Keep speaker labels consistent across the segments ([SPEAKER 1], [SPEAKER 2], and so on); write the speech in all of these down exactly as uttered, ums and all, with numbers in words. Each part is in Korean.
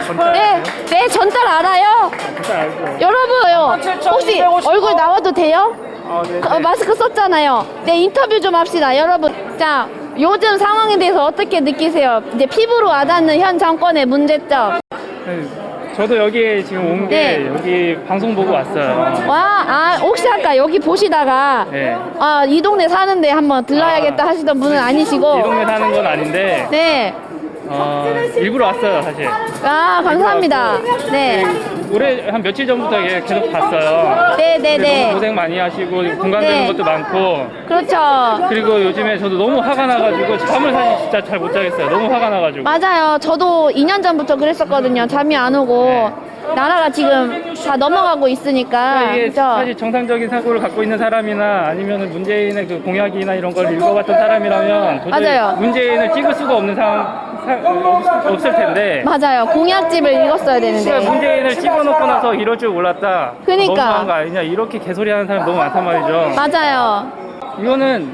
[SPEAKER 1] 네, 네, 전달 알아요.
[SPEAKER 2] 진짜 알죠.
[SPEAKER 1] 여러분, 혹시 얼굴 나와도 돼요?
[SPEAKER 2] 아, 네.
[SPEAKER 1] 어, 마스크 썼잖아요. 네, 인터뷰 좀 합시다. 여러분, 자, 요즘 상황에 대해서 어떻게 느끼세요? 이제 피부로 와닿는 현 정권의 문제점.
[SPEAKER 2] 네, 저도 여기 지금 온 게
[SPEAKER 1] 네.
[SPEAKER 2] 여기 방송 보고 왔어요.
[SPEAKER 1] 와, 아, 혹시 아까 여기 보시다가
[SPEAKER 2] 네.
[SPEAKER 1] 아, 이 동네 사는데 한번 들러야겠다
[SPEAKER 2] 아.
[SPEAKER 1] 하시던 분은
[SPEAKER 2] 이
[SPEAKER 1] 아니시고.
[SPEAKER 2] 동네 사는 건 아닌데
[SPEAKER 1] 네.
[SPEAKER 2] 어, 일부러 왔어요 사실.
[SPEAKER 1] 아, 감사합니다. 네.
[SPEAKER 2] 올해 한 며칠 전부터 얘 계속 봤어요.
[SPEAKER 1] 네, 네,
[SPEAKER 2] 근데
[SPEAKER 1] 네.
[SPEAKER 2] 너무 고생 많이 하시고 공감되는
[SPEAKER 1] 네.
[SPEAKER 2] 것도 많고,
[SPEAKER 1] 그렇죠.
[SPEAKER 2] 그리고 요즘에 저도 너무 화가 나가지고 잠을 사실 진짜 잘 못 자겠어요. 너무 화가 나가지고.
[SPEAKER 1] 맞아요. 저도 이 년 전부터 그랬었거든요. 잠이 안 오고. 나라가 지금 다 넘어가고 있으니까.
[SPEAKER 2] 이게
[SPEAKER 1] 그죠?
[SPEAKER 2] 사실 정상적인 사고를 갖고 있는 사람이나 아니면 문재인의 그 공약이나 이런 걸 읽어봤던 사람이라면 도저히
[SPEAKER 1] 맞아요.
[SPEAKER 2] 문재인을 찍을 수가 없는 상황 사, 없, 없을 텐데.
[SPEAKER 1] 맞아요. 공약집을 읽었어야 되는데.
[SPEAKER 2] 그러니까 문재인을 찍어놓고 나서 이럴 줄 몰랐다.
[SPEAKER 1] 그러니까.
[SPEAKER 2] 너무한 거 아니냐 이렇게 개소리하는 사람 너무 많단 말이죠.
[SPEAKER 1] 맞아요.
[SPEAKER 2] 이거는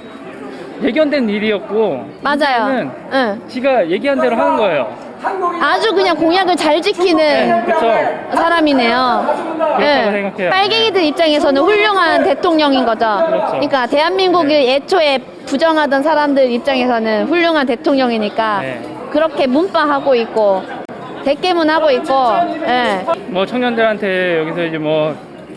[SPEAKER 2] 예견된 일이었고.
[SPEAKER 1] 맞아요.
[SPEAKER 2] 문재인은
[SPEAKER 1] 응.
[SPEAKER 2] 지가 얘기한 대로 하는 거예요.
[SPEAKER 1] 아주 그냥 공약을 잘 지키는
[SPEAKER 2] 그렇죠.
[SPEAKER 1] 사람이네요.
[SPEAKER 2] 그렇다고 생각해요.
[SPEAKER 1] 빨갱이들 입장에서는 훌륭한 대통령인 거죠.
[SPEAKER 2] 그렇죠.
[SPEAKER 1] 그러니까 대한민국을 애초에 부정하던 사람들 입장에서는 훌륭한 대통령이니까
[SPEAKER 2] 네.
[SPEAKER 1] 그렇게 문파하고 있고 대깨문하고 있고. 예.
[SPEAKER 2] 뭐 청년들한테 여기서 이제 뭐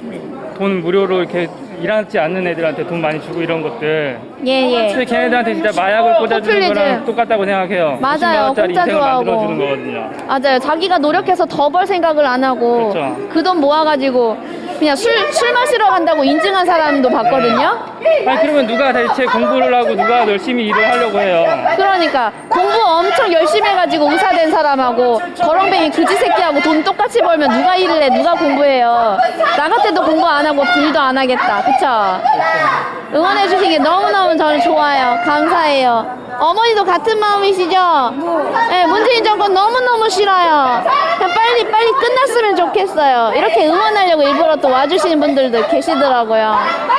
[SPEAKER 2] 돈 무료로 이렇게 일하지 않는 애들한테 돈 많이 주고 이런 것들.
[SPEAKER 1] 예, 예.
[SPEAKER 2] 근데 걔네들한테 진짜 마약을 꽂아주는
[SPEAKER 1] 포퓰리즘.
[SPEAKER 2] 거랑 똑같다고 생각해요.
[SPEAKER 1] 맞아요.
[SPEAKER 2] 오십만 원짜리
[SPEAKER 1] 공짜
[SPEAKER 2] 인생을
[SPEAKER 1] 좋아하고.
[SPEAKER 2] 만들어주는 거거든요.
[SPEAKER 1] 맞아요. 자기가 노력해서 더 벌 생각을 안 하고
[SPEAKER 2] 그렇죠.
[SPEAKER 1] 그 돈 모아가지고 그냥 술, 술 마시러 간다고 인증한 사람도 봤거든요.
[SPEAKER 2] 아니 그러면 누가 대체 공부를 하고 누가 열심히 일을 하려고 해요?
[SPEAKER 1] 그러니까 공부 엄청 열심히 해가지고 의사 된 사람하고 거렁뱅이 그지 새끼하고 돈 똑같이 벌면 누가 일을 해? 누가 공부해요? 나 같아도 공부 안 하고 일도 안 하겠다. 그쵸? 응원해 주신 게 너무너무 저는 좋아요. 감사해요. 어머니도 같은 마음이시죠? 네, 문재인 정권 너무너무 싫어요. 그냥 빨리 빨리 끝났으면 좋겠어요. 이렇게 응원하려고 일부러 또 와주시는 분들도 계시더라고요.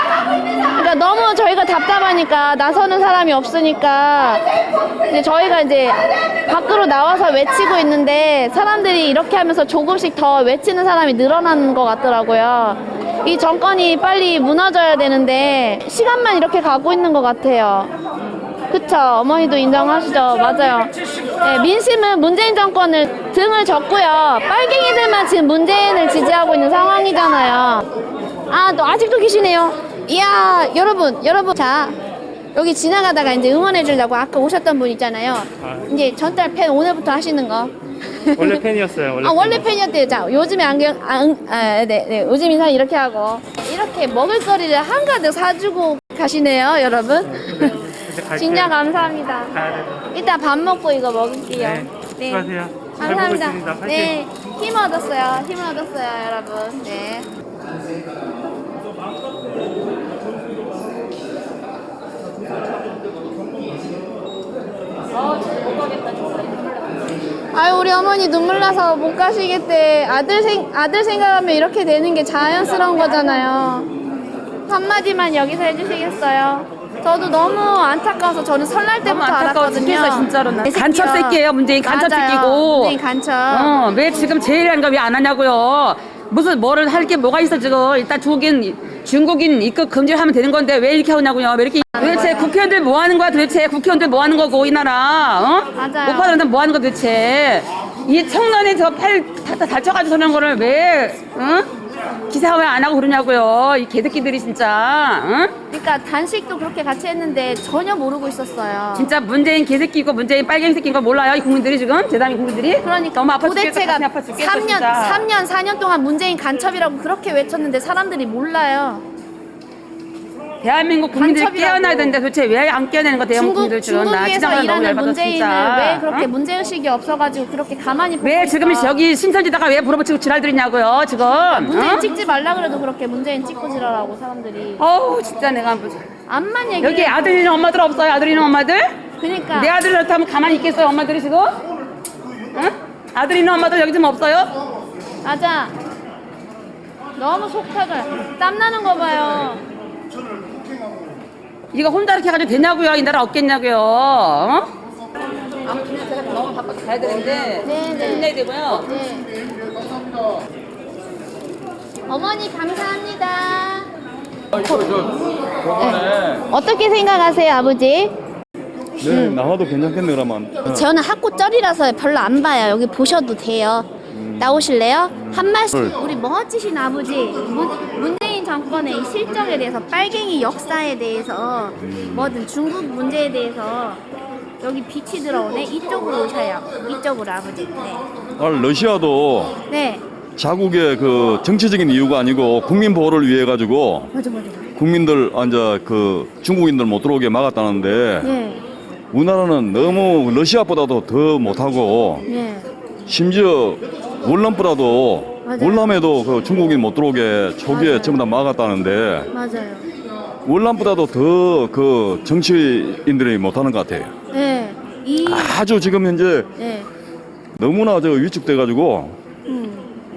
[SPEAKER 1] 그러니까 너무 저희가 답답하니까 나서는 사람이 없으니까 이제 저희가 이제 밖으로 나와서 외치고 있는데 사람들이 이렇게 하면서 조금씩 더 외치는 사람이 늘어나는 것 같더라고요. 이 정권이 빨리 무너져야 되는데 시간만 이렇게 가고 있는 것 같아요. 그쵸? 어머니도 인정하시죠? 맞아요. 네, 민심은 문재인 정권을 등을 졌고요. 빨갱이들만 지금 문재인을 지지하고 있는 상황이잖아요. 아, 또 아직도 계시네요. 이야, 여러분, 여러분. 자, 여기 지나가다가 이제 응원해 주려고 아까 오셨던 분 있잖아요.
[SPEAKER 2] 아.
[SPEAKER 1] 이제 전달 팬 오늘부터 하시는 거.
[SPEAKER 2] 원래 팬이었어요. 원래
[SPEAKER 1] 아, 원래
[SPEAKER 2] 팬이었어요.
[SPEAKER 1] 팬이었대요. 자, 요즘에 안경, 아, 응, 아, 네, 네. 요즘 인사 이렇게 하고. 이렇게 먹을거리를 한가득 사주고 가시네요, 여러분.
[SPEAKER 2] 이제 갈게요.
[SPEAKER 1] 진짜 감사합니다.
[SPEAKER 2] 가야 돼서.
[SPEAKER 1] 이따 밥 먹고 이거 먹을게요.
[SPEAKER 2] 네, 수고하세요. 잘 보고
[SPEAKER 1] 감사합니다.
[SPEAKER 2] 있습니다. 파이팅.
[SPEAKER 1] 네, 힘 얻었어요. 힘 얻었어요, 여러분. 네. 아유, 우리 어머니 눈물 나서 못 가시겠대. 아들 생 아들 생각하면 이렇게 되는 게 자연스러운 거잖아요. 한마디만 여기서 해주시겠어요? 저도 너무 안타까워서 저는 설날 때부터
[SPEAKER 3] 안타까워
[SPEAKER 1] 알았거든요.
[SPEAKER 3] 죽겠어 진짜로.
[SPEAKER 1] 내 새끼야.
[SPEAKER 3] 간첩 새끼예요 문재인 간첩
[SPEAKER 1] 맞아요.
[SPEAKER 3] 새끼고.
[SPEAKER 1] 문재인 간첩.
[SPEAKER 3] 어, 왜 지금 제일하는 거 왜 안 하냐고요. 무슨 뭐를 할 게 뭐가 있어 지금. 일단 중국인 중국인 입국 금지를 하면 되는 건데 왜 이렇게 하냐고요. 왜 이렇게 도대체 국회의원들 뭐 하는 거야 도대체. 국회의원들 뭐 하는 거고 이 나라. 어?
[SPEAKER 1] 맞아요.
[SPEAKER 3] 못 받는 뭐 하는 거 도대체. 이 청년이 저 팔 다 다쳐가지고 저런 거를 왜 응? 기사 왜 안 하고 그러냐고요. 이 개새끼들이 진짜. 응?
[SPEAKER 1] 그러니까 단식도 그렇게 같이 했는데 전혀 모르고 있었어요.
[SPEAKER 3] 진짜 문재인 개새끼고 문재인 빨갱이 새끼인 거 몰라요? 이 국민들이 지금? 대단히 국민들이?
[SPEAKER 1] 그러니까
[SPEAKER 3] 너무 아파 죽겠어.
[SPEAKER 1] 도대체가
[SPEAKER 3] 가슴이 아파 죽겠어,
[SPEAKER 1] 삼 년,
[SPEAKER 3] 진짜.
[SPEAKER 1] 삼 년, 사 년 동안 문재인 간첩이라고 그렇게 외쳤는데 사람들이 몰라요.
[SPEAKER 3] 대한민국 국민들이
[SPEAKER 1] 간첩이라고.
[SPEAKER 3] 깨어나야 되는데 도대체 왜 안 깨어내는 거 대한민국
[SPEAKER 1] 중국,
[SPEAKER 3] 국민들 지금. 나 진짜
[SPEAKER 1] 중국에서
[SPEAKER 3] 너무
[SPEAKER 1] 일하는
[SPEAKER 3] 열받아,
[SPEAKER 1] 문재인을
[SPEAKER 3] 진짜.
[SPEAKER 1] 왜 그렇게
[SPEAKER 3] 어?
[SPEAKER 1] 문제의식이 없어가지고 그렇게 가만히 보고
[SPEAKER 3] 왜
[SPEAKER 1] 있어?
[SPEAKER 3] 지금 여기 신천지다가 왜 부러붙이고 지랄들이냐고요 지금.
[SPEAKER 1] 문재인
[SPEAKER 3] 어?
[SPEAKER 1] 찍지 말라 그래도 그렇게 문재인 찍고 지랄하고 사람들이
[SPEAKER 3] 어우 진짜 내가 뭐-
[SPEAKER 1] 암만 얘기해.
[SPEAKER 3] 여기 아들 있는 엄마들 없어요? 아들 있는 엄마들?
[SPEAKER 1] 그러니까
[SPEAKER 3] 내 아들 그렇다면 가만히 있겠어요 엄마들이 지금? 응? 아들 있는 엄마들 여기 좀 없어요?
[SPEAKER 1] 맞아. 너무 속 타가 땀 나는 거 봐요.
[SPEAKER 3] 이거 혼자 이렇게 해가지고 되냐고요? 이 나라 없겠냐고요? 어? 아무튼 제가 너무 바빠서 가야 되는데
[SPEAKER 1] 네, 네.
[SPEAKER 3] 끝내야 되고요.
[SPEAKER 1] 네. 어머니 감사합니다.
[SPEAKER 2] 저번에
[SPEAKER 1] 어떻게 생각하세요, 아버지?
[SPEAKER 4] 네, 나와도 괜찮겠네 그러면.
[SPEAKER 1] 저는 학고 쩔이라서 별로 안 봐요. 여기 보셔도 돼요. 나오실래요? 한 말씀.
[SPEAKER 4] 네.
[SPEAKER 1] 우리 멋지신 아버지 문, 문재인 정권의 이 실정에 대해서, 빨갱이 역사에 대해서, 뭐든 중국 문제에 대해서 여기 빛이 들어오네. 이쪽으로 오셔요. 이쪽으로 아버지. 네.
[SPEAKER 4] 아, 러시아도
[SPEAKER 1] 네.
[SPEAKER 4] 자국의 그 정치적인 이유가 아니고 국민 보호를 위해 가지고
[SPEAKER 1] 맞아 맞아.
[SPEAKER 4] 국민들 앉아 그 중국인들 못 들어오게 막았다는데
[SPEAKER 1] 네.
[SPEAKER 4] 우리나라는 너무 러시아보다도 더 못하고
[SPEAKER 1] 네.
[SPEAKER 4] 심지어 월남보다도
[SPEAKER 1] 맞아요.
[SPEAKER 4] 월남에도 그 중국인 못 들어오게 초기에
[SPEAKER 1] 맞아요.
[SPEAKER 4] 전부 다 막았다는데
[SPEAKER 1] 맞아요.
[SPEAKER 4] 월남보다도 더 그 정치인들이 못하는 것 같아요.
[SPEAKER 1] 네. 이
[SPEAKER 4] 아주 지금 현재
[SPEAKER 1] 네.
[SPEAKER 4] 너무나 저 위축돼 가지고
[SPEAKER 1] 음.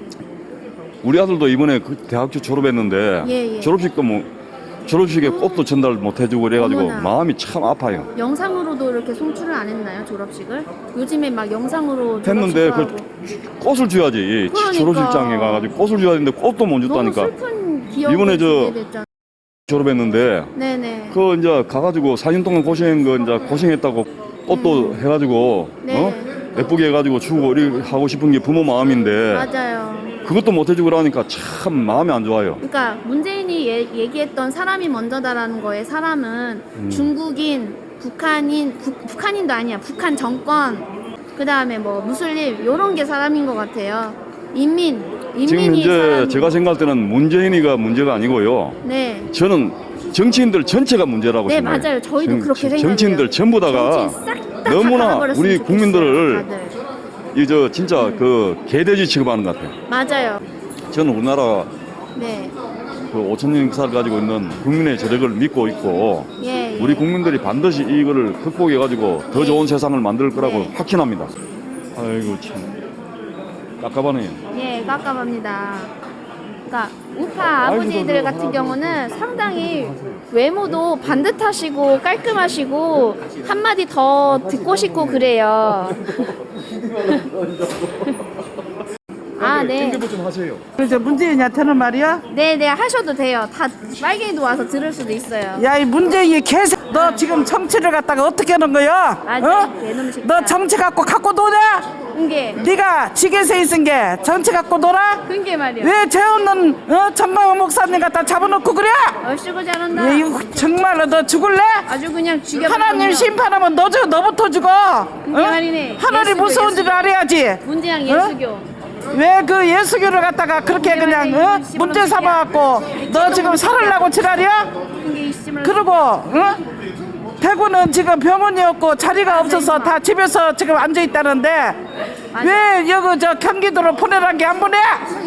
[SPEAKER 4] 우리 아들도 이번에 그 대학교 졸업했는데
[SPEAKER 1] 예, 예.
[SPEAKER 4] 졸업식도 뭐 졸업식에 꽃도 전달 못 해주고 그래가지고
[SPEAKER 1] 어머나.
[SPEAKER 4] 마음이 참 아파요.
[SPEAKER 1] 영상으로도 이렇게 송출을 안 했나요, 졸업식을? 요즘에 막 영상으로
[SPEAKER 4] 했는데
[SPEAKER 1] 졸업식도
[SPEAKER 4] 그
[SPEAKER 1] 하고.
[SPEAKER 4] 꽃을 줘야지.
[SPEAKER 1] 그러니까.
[SPEAKER 4] 졸업식장에 가가지고 꽃을 줘야 되는데 꽃도 못
[SPEAKER 1] 너무
[SPEAKER 4] 줬다니까.
[SPEAKER 1] 슬픈 기억을
[SPEAKER 4] 이번에 저-
[SPEAKER 1] 주게 됐잖아요.
[SPEAKER 4] 졸업했는데
[SPEAKER 1] 네네.
[SPEAKER 4] 그 이제 가가지고 사 년 동안 고생한 거 이제 고생했다고 꽃도 해가지고
[SPEAKER 1] 음. 네.
[SPEAKER 4] 어 예쁘게 해가지고 주고 이렇게 하고 싶은 게 부모 마음인데
[SPEAKER 1] 맞아요.
[SPEAKER 4] 그것도 못 해주고 그러니까 참 마음이 안 좋아요.
[SPEAKER 1] 그러니까 문재인이 예, 얘기했던 사람이 먼저다라는 거에 사람은
[SPEAKER 4] 음.
[SPEAKER 1] 중국인, 북한인, 북, 북한인도 아니야. 북한 정권, 그 다음에 뭐 무슬림 이런 게 사람인 것 같아요. 인민,
[SPEAKER 4] 지금
[SPEAKER 1] 인민이
[SPEAKER 4] 현재
[SPEAKER 1] 사람이.
[SPEAKER 4] 제가 생각할 때는 문재인이가 문제가 아니고요.
[SPEAKER 1] 네.
[SPEAKER 4] 저는 정치인들 전체가 문제라고
[SPEAKER 1] 네
[SPEAKER 4] 생각해요.
[SPEAKER 1] 맞아요. 저희도
[SPEAKER 4] 정-
[SPEAKER 1] 그렇게 생각해요.
[SPEAKER 4] 정치인들 전부 다가
[SPEAKER 1] 정치인 싹다
[SPEAKER 4] 너무나
[SPEAKER 1] 닫아버렸으면
[SPEAKER 4] 우리
[SPEAKER 1] 좋겠어요,
[SPEAKER 4] 국민들을
[SPEAKER 1] 다들.
[SPEAKER 4] 이 저 진짜 그 개돼지 취급하는 것 같아요.
[SPEAKER 1] 맞아요.
[SPEAKER 4] 저는 우리나라
[SPEAKER 1] 네.
[SPEAKER 4] 그 오천 년 역사를 가지고 있는 국민의 저력을 믿고 있고
[SPEAKER 1] 예, 예.
[SPEAKER 4] 우리 국민들이 반드시 이거를 극복해 가지고 더
[SPEAKER 1] 네.
[SPEAKER 4] 좋은 세상을 만들 거라고
[SPEAKER 1] 네.
[SPEAKER 4] 확신합니다. 아이고 참 깝깝하네요.
[SPEAKER 1] 예, 깝깝합니다. 그러니까 우파 아버지들 같은 경우는 상당히 외모도 반듯하시고 깔끔하시고 한마디 더 듣고 싶고 그래요. 아, 네.
[SPEAKER 4] 좀 하세요.
[SPEAKER 5] 그래서 문재인한테는 말이야.
[SPEAKER 1] 네, 네, 하셔도 돼요. 다 빨갱이도 와서 들을 수도 있어요.
[SPEAKER 5] 야, 이 문재인이 개새. 너 지금 정치를 갖다가 어떻게 하는 거야?
[SPEAKER 1] 맞아, 개놈 새끼야.
[SPEAKER 5] 너 정치 갖고 갖고 노냐?
[SPEAKER 1] 그게,
[SPEAKER 5] 네가 지게세 있은 게 정치 갖고 놀아?
[SPEAKER 1] 그게 말이야.
[SPEAKER 5] 왜 재없는 어? 전광훈 목사님 갖다 잡아놓고 그래?
[SPEAKER 1] 얼씨구 잘한다.
[SPEAKER 5] 야, 이거 정말로 너 죽을래?
[SPEAKER 1] 아주 그냥 죽여.
[SPEAKER 5] 하나님 심판하면 너 죽어, 너부터 죽어.
[SPEAKER 1] 그게 말이네.
[SPEAKER 5] 하늘이
[SPEAKER 1] 예수교,
[SPEAKER 5] 무서운 줄
[SPEAKER 1] 예수교.
[SPEAKER 5] 알아야지.
[SPEAKER 1] 문재양
[SPEAKER 5] 어?
[SPEAKER 1] 예수교.
[SPEAKER 5] 왜 그 예수교를 갖다가 그렇게 그냥 어? 문제 삼아갖고 너 지금 살으려고 지랄이야?
[SPEAKER 1] 그게 이씨발.
[SPEAKER 5] 그리고 어? 대구는 지금 병원이 없고 자리가 없어서 다 집에서 지금 앉아 있다는데 왜 여기 저 경기도로 보내란 게 안 보내?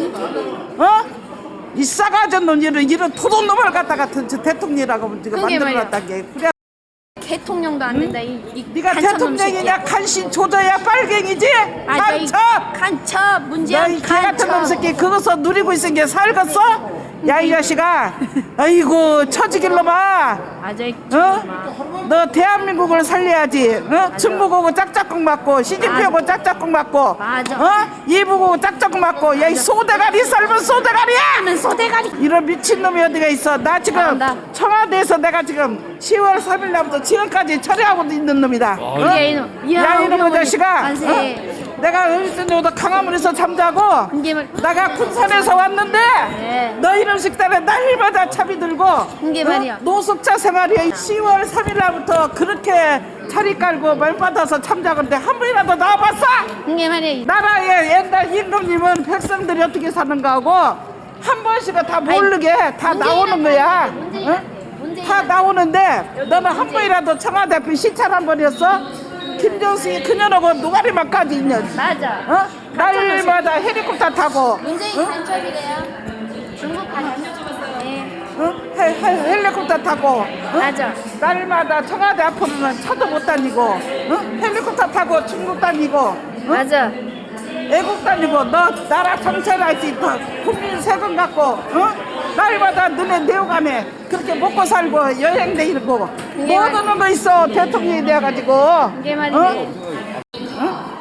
[SPEAKER 5] 어? 이 싸가지 놈 이런 이런 토돈 놈을 갖다가 대- 저 대통령이라고 지금
[SPEAKER 1] 그게
[SPEAKER 5] 만들어놨단 게 그래.
[SPEAKER 1] 대통령도 안 된다. 이, 이
[SPEAKER 5] 네가
[SPEAKER 1] 간첩 놈
[SPEAKER 5] 대통령이냐
[SPEAKER 1] 새끼야.
[SPEAKER 5] 간신 조져야 빨갱이지?
[SPEAKER 1] 맞아, 이
[SPEAKER 5] 간첩!
[SPEAKER 1] 간첩 문재양
[SPEAKER 5] 너이 개 같은 놈
[SPEAKER 1] 간첩.
[SPEAKER 5] 새끼 그것서 누리고 있은 게 살겠어? 야 이 자식아 아이고 처지길 놈아
[SPEAKER 1] 맞아. 이
[SPEAKER 5] 어? 너 대한민국을 살려야지 어? 중국하고 짝짝꿍 맞고 시진핑하고 짝짝꿍 맞고
[SPEAKER 1] 맞아.
[SPEAKER 5] 어? 이북하고 짝짝꿍 맞고 야 이 소대가리 삶은 소대가리야
[SPEAKER 1] 하면 소대가리.
[SPEAKER 5] 이런 미친놈이 어디가 있어 나 지금
[SPEAKER 1] 잘한다.
[SPEAKER 5] 청와대에서 내가 지금 시월 삼일 날부터 지금까지 처리하고 있는 놈이다 어?
[SPEAKER 1] 야, 이놈. 이야,
[SPEAKER 5] 야
[SPEAKER 1] 우리
[SPEAKER 5] 이놈의
[SPEAKER 1] 어머니.
[SPEAKER 5] 자식아
[SPEAKER 1] 만세.
[SPEAKER 5] 어? 내가 어디서 강화문에서 잠자고
[SPEAKER 1] 이게 말-
[SPEAKER 5] 내가 군산에서 왔는데
[SPEAKER 1] 네.
[SPEAKER 5] 너 이런 식단에 날마다 차비 들고
[SPEAKER 1] 이게
[SPEAKER 5] 어?
[SPEAKER 1] 말이야.
[SPEAKER 5] 노숙자 생활이야 시월 삼일 날부터 그렇게 차리 깔고 말 받아서 참자건데 한 번이라도 나와봤어?
[SPEAKER 1] 이게 말이야.
[SPEAKER 5] 나라의 옛날 임금님은 백성들이 어떻게 사는가 하고 한 번씩은 다 모르게 다
[SPEAKER 1] 문재인은
[SPEAKER 5] 나오는 거야
[SPEAKER 1] 문재인,
[SPEAKER 5] 어?
[SPEAKER 1] 문재인.
[SPEAKER 5] 다 나오는데 너는 한 번이라도 청와대 앞에 시찰 한 번이었어? 김정숙이 그년하고 노가리만까지 있냐
[SPEAKER 1] 맞아.
[SPEAKER 5] 어? 날마다 헬리콥터 타고
[SPEAKER 1] 문재인 간첩이래요. 중국 간첩. 네.
[SPEAKER 5] 어? 헬, 헬, 헬리콥터 타고 어?
[SPEAKER 1] 맞아.
[SPEAKER 5] 날마다 청와대 앞으로는 차도 못 다니고 어? 헬리콥터 타고 중국 다니고 어?
[SPEAKER 1] 맞아.
[SPEAKER 5] 애국 다니고 너 나라 정체할지 국민 세금 갖고 어? 날마다 너네 내어가네 그렇게 먹고 살고 여행 다니고 뭐
[SPEAKER 1] 그게
[SPEAKER 5] 얻는 거 있어 대통령이 돼가지고
[SPEAKER 1] 이게 말이네.
[SPEAKER 5] 어?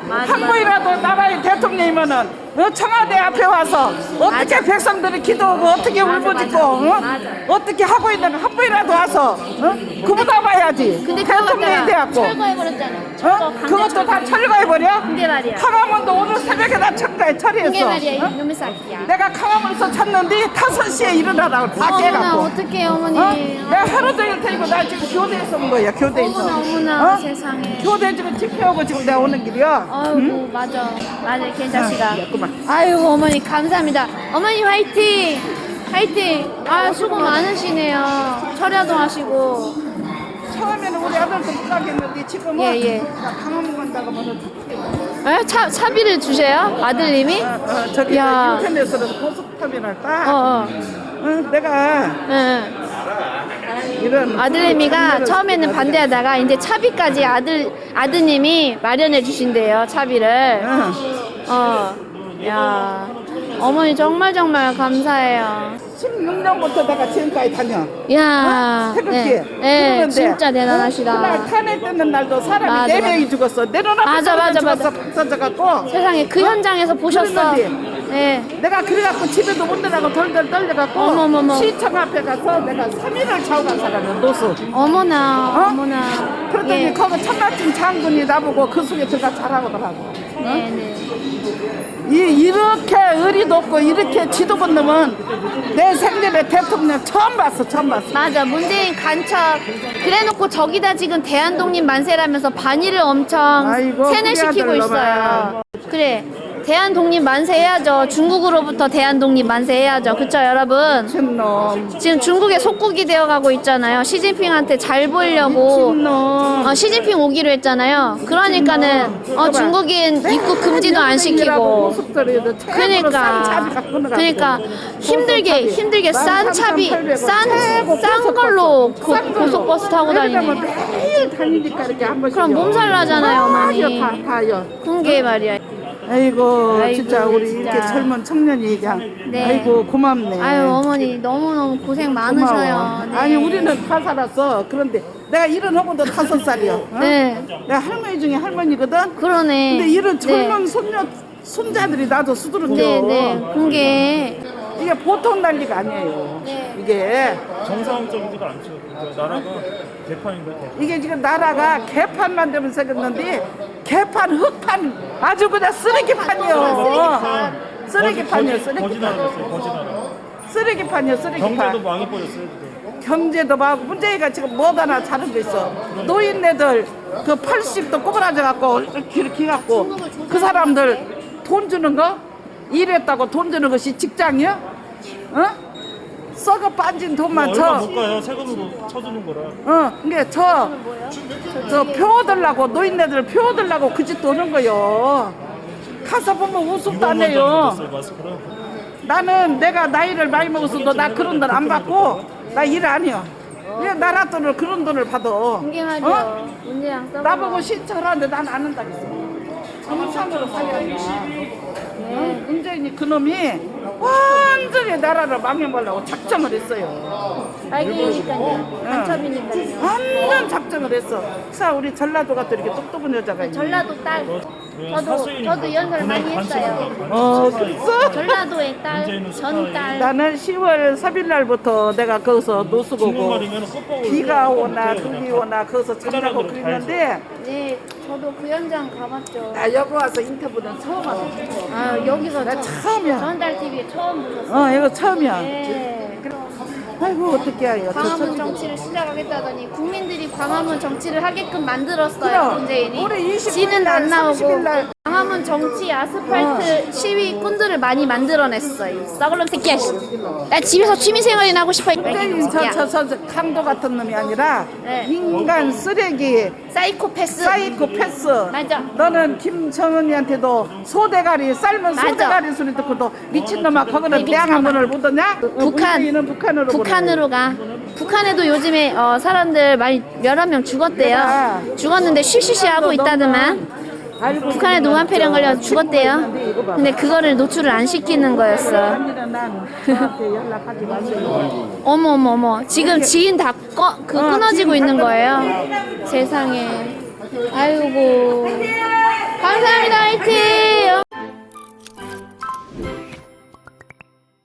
[SPEAKER 1] 맞아,
[SPEAKER 5] 한 번이라도 나라의 대통령이면은 어, 청와대 앞에 와서 어떻게
[SPEAKER 1] 맞아.
[SPEAKER 5] 백성들이 기도하고 어떻게
[SPEAKER 1] 맞아,
[SPEAKER 5] 울부짖고
[SPEAKER 1] 맞아.
[SPEAKER 5] 어?
[SPEAKER 1] 맞아.
[SPEAKER 5] 어떻게 하고 있는 거 한 번이라도 와서 어? 그보다 봐야지.
[SPEAKER 1] 근데 그거
[SPEAKER 5] 대통령이
[SPEAKER 1] 갖다가
[SPEAKER 5] 돼갖고
[SPEAKER 1] 철거해버렸잖아. 철거,
[SPEAKER 5] 어?
[SPEAKER 1] 강제
[SPEAKER 5] 그것도 다 철거해버려?
[SPEAKER 1] 그게 말이야.
[SPEAKER 5] 강화문도 오늘 새벽에 다 철거해
[SPEAKER 1] 그게
[SPEAKER 5] 처리했어.
[SPEAKER 1] 말이야.
[SPEAKER 5] 어?
[SPEAKER 1] 이놈의 새끼야.
[SPEAKER 5] 내가 강화문에서 쳤는데 다섯 시에 일어나라고 다
[SPEAKER 1] 어머나
[SPEAKER 5] 깨갖고.
[SPEAKER 1] 어떡해 어머니.
[SPEAKER 5] 어? 내가 하루 종일 데리고 나 지금 교대에서 온 거야. 교대에서.
[SPEAKER 1] 어머나 어머나
[SPEAKER 5] 어?
[SPEAKER 1] 세상에.
[SPEAKER 5] 교대 지금 집회하고 지금 내가 오는 길이야.
[SPEAKER 1] 아이고 맞아 맞아 괜찮시다.
[SPEAKER 5] 그만.
[SPEAKER 1] 아이고 어머니 감사합니다. 어머니 화이팅 화이팅. 아 수고 많으시네요. 철야도 하시고.
[SPEAKER 5] 처음에는 우리 아들도 못 가겠는데 지금은
[SPEAKER 1] 예, 예.
[SPEAKER 5] 나 강화문 간다고 하면
[SPEAKER 1] 에? 차 차비를 주세요 아들님이?
[SPEAKER 5] 어, 어, 저기
[SPEAKER 1] 야.
[SPEAKER 5] 인터넷으로 고속터미널 딱
[SPEAKER 1] 어어.
[SPEAKER 5] 어, 내가
[SPEAKER 1] 응.
[SPEAKER 5] 이런
[SPEAKER 1] 아들내미가 처음에는 반대하다가 이제 차비까지 아들 아드님이 마련해 주신대요 차비를.
[SPEAKER 5] 어,
[SPEAKER 1] 어. 야. 어머니 정말 정말 감사해요.
[SPEAKER 5] 십육 년부터 내가 지금까지 다녀.
[SPEAKER 1] 야.
[SPEAKER 5] 태극기.
[SPEAKER 1] 네, 네
[SPEAKER 5] 그러는데
[SPEAKER 1] 진짜 대단하시다.
[SPEAKER 5] 그날 탄핵 뜨는 날도 사람이
[SPEAKER 1] 맞아,
[SPEAKER 5] 네
[SPEAKER 1] 맞아.
[SPEAKER 5] 명이 죽었어. 내 눈앞에
[SPEAKER 1] 맞아, 맞아,
[SPEAKER 5] 죽었어.
[SPEAKER 1] 맞아.
[SPEAKER 5] 박 터져갖고
[SPEAKER 1] 세상에 그 현장에서 보셨어.
[SPEAKER 5] 그랬는데.
[SPEAKER 1] 네.
[SPEAKER 5] 내가 그래갖고 집에도 못 들어가고 덜덜 떨려갖고
[SPEAKER 1] 어머머머.
[SPEAKER 5] 시청 앞에 가서 내가 삼 일을 자고 간 사람이야. 노수.
[SPEAKER 1] 어머나
[SPEAKER 5] 어?
[SPEAKER 1] 어머나.
[SPEAKER 5] 그러더니
[SPEAKER 1] 예.
[SPEAKER 5] 거기 천마침 장군이 나보고 그 속에 들어가 자라고더라고.
[SPEAKER 1] 네, 네.
[SPEAKER 5] 이, 이렇게 의리 높고 이렇게 지도 본 놈은 내 생전에 대통령 처음 봤어. 처음 봤어.
[SPEAKER 1] 맞아 문재인 간첩 그래놓고 저기다 지금 대한독립 만세라면서 반일을 엄청
[SPEAKER 5] 아이고,
[SPEAKER 1] 세뇌시키고
[SPEAKER 5] 그게
[SPEAKER 1] 있어요.
[SPEAKER 5] 아들놈아.
[SPEAKER 1] 그래 대한독립 만세 해야죠. 중국으로부터 대한독립 만세 해야죠. 그쵸 여러분?
[SPEAKER 5] 미친놈.
[SPEAKER 1] 지금 중국의 속국이 되어가고 있잖아요. 시진핑한테 잘 보이려고
[SPEAKER 5] 미친놈.
[SPEAKER 1] 어, 시진핑 오기로 했잖아요. 그러니까는 어, 중국인 입국 금지도 안 시키고 그러니까 그러니까 힘들게 힘들게 싼 차비 싼 싼 걸로 고, 고속버스 타고 다니네.
[SPEAKER 5] 매일 다니니까 이렇게 한 번씩.
[SPEAKER 1] 그럼 몸살 나잖아요, 어머니.
[SPEAKER 5] 다 다요.
[SPEAKER 1] 그게 말이야.
[SPEAKER 5] 아이고,
[SPEAKER 1] 아이고,
[SPEAKER 5] 진짜 우리
[SPEAKER 1] 진짜.
[SPEAKER 5] 이렇게 젊은 청년이 그냥
[SPEAKER 1] 네.
[SPEAKER 5] 아이고 고맙네.
[SPEAKER 1] 아유 어머니 너무 너무 고생 많으셔요.
[SPEAKER 5] 고마워.
[SPEAKER 1] 네.
[SPEAKER 5] 아니 우리는 다 살았어. 그런데 내가 일은 하고도 다섯 살이야. 어?
[SPEAKER 1] 네.
[SPEAKER 5] 내가 할머니 중에 할머니거든.
[SPEAKER 1] 그러네.
[SPEAKER 5] 근데 이런
[SPEAKER 1] 네.
[SPEAKER 5] 젊은 손녀 손자들이 나도 수두룩겨.
[SPEAKER 1] 네, 네. 그게
[SPEAKER 5] 이게 보통 난리가 아니에요.
[SPEAKER 1] 네.
[SPEAKER 5] 이게
[SPEAKER 6] 정상적이지가 않죠. 그러니까 나라가 개판인데 개판.
[SPEAKER 5] 이게 지금 나라가 개판만 되면 생겼는데 개판 흑판 아주 그냥 쓰레기판이요. 쓰레기판이요.
[SPEAKER 6] 거지
[SPEAKER 5] 쓰레기판.
[SPEAKER 6] 나라 됐어요. 거지 나라.
[SPEAKER 5] 쓰레기판이요. 쓰레기판.
[SPEAKER 6] 경제도 망해버렸어요 지금.
[SPEAKER 5] 경제도 막 문재인가 지금 뭐 하나 잘한 게 있어. 노인네들 그 팔십도 꼬부라져 갖고 이렇게 이렇게 갖고 그 사람들 돈 주는 거 일했다고 돈 주는 것이 직장이야? 어? 썩어 빠진 돈만
[SPEAKER 6] 얼마
[SPEAKER 5] 저.
[SPEAKER 6] 못 가요. 세금으로 쳐주는 거라.
[SPEAKER 5] 어, 그게 저, 저 표 얻으려고 노인네들 표 얻으려고 그 짓도 하는 거요. 가서 보면 우습도 안 해요.
[SPEAKER 6] 마스크랑.
[SPEAKER 5] 나는 내가 나이를 많이 먹었어도 나 그런 돈 안 받고 나 일 안 해요. 왜 나라 돈을 그런 돈을 받아?
[SPEAKER 1] 그게
[SPEAKER 5] 어?
[SPEAKER 1] 말이야. 문제랑 써.
[SPEAKER 5] 나보고 신청을 하는데 난 안 한다겠어. 정상으로 살려야 어? 문재인이 그놈이 완전히 나라를 망해보려고 작정을 했어요.
[SPEAKER 1] 빨갱이니까요. 간첩이니까요.
[SPEAKER 5] 완전 작정을 했어. 자, 우리 전라도 같은 이렇게 똑똑한 여자가 있네.
[SPEAKER 1] 전라도 딸. 저도 저도 연설 많이 했어요.
[SPEAKER 5] 어, 그랬어?
[SPEAKER 1] 전라도의 딸, 전 딸.
[SPEAKER 5] 나는 시월 삼일 날부터 내가 거기서 노숙하고
[SPEAKER 6] 중국말이면 꽃보고.
[SPEAKER 5] 비가 오나 눈이 오나 거기서 잠자고 그랬는데
[SPEAKER 1] 네, 저도 그 현장 가봤죠.
[SPEAKER 5] 나 여기 와서 인터뷰는 처음 왔어.
[SPEAKER 1] 아 여기서
[SPEAKER 5] 나
[SPEAKER 1] 저-
[SPEAKER 5] 처음이야.
[SPEAKER 1] 전달 티비에 처음 보셨어요.
[SPEAKER 5] 어, 이거 처음이야.
[SPEAKER 1] 네.
[SPEAKER 5] 아이고 어떻게 해요? 저
[SPEAKER 1] 광화문
[SPEAKER 5] 처음.
[SPEAKER 1] 정치를 시작하겠다더니 국민들이 광화문 정치를 하게끔 만들었어요.
[SPEAKER 5] 그럼,
[SPEAKER 1] 문재인이.
[SPEAKER 5] 우리 이십구
[SPEAKER 1] 지는
[SPEAKER 5] 일 날,
[SPEAKER 1] 안 나오고
[SPEAKER 5] 삼십 일 날.
[SPEAKER 1] 광화문 정치 아스팔트 시위 꾼들을 많이 만들어냈어요. 싸글놈 새끼야. 씨. 나 집에서 취미생활이나 하고 싶어.
[SPEAKER 5] 문재인 저, 저, 저, 저 강도 같은 놈이 아니라
[SPEAKER 1] 네.
[SPEAKER 5] 인간 쓰레기
[SPEAKER 1] 사이코패스.
[SPEAKER 5] 사이코패스.
[SPEAKER 1] 맞아.
[SPEAKER 5] 너는 김정은이한테도 소대가리 삶은
[SPEAKER 1] 맞아.
[SPEAKER 5] 소대가리 소리 듣고도 미친놈아 거기는
[SPEAKER 1] 네,
[SPEAKER 5] 대항한
[SPEAKER 1] 미친놈아.
[SPEAKER 5] 문을 못 얻냐?
[SPEAKER 1] 북한.
[SPEAKER 5] 문재인은 북한으로 보내고.
[SPEAKER 1] 북한으로 가. 북한에도 요즘에 어, 사람들 많이 여러 명 죽었대요.
[SPEAKER 5] 내가
[SPEAKER 1] 죽었는데 쉬쉬쉬 하고 있다더만.
[SPEAKER 5] 알고
[SPEAKER 1] 북한에 노안폐렴 걸려 죽었대요. 근데 그거를 노출을 안 시키는 거였어.
[SPEAKER 5] 아니면 난 저한테 연락하지 마세요.
[SPEAKER 1] 어머 어머 어머. 지금 지인 다 꺼, 그
[SPEAKER 5] 어,
[SPEAKER 1] 끊어지고
[SPEAKER 5] 지인 다
[SPEAKER 1] 있는 거예요. 세상에. 아이고. 감사합니다. 화이팅!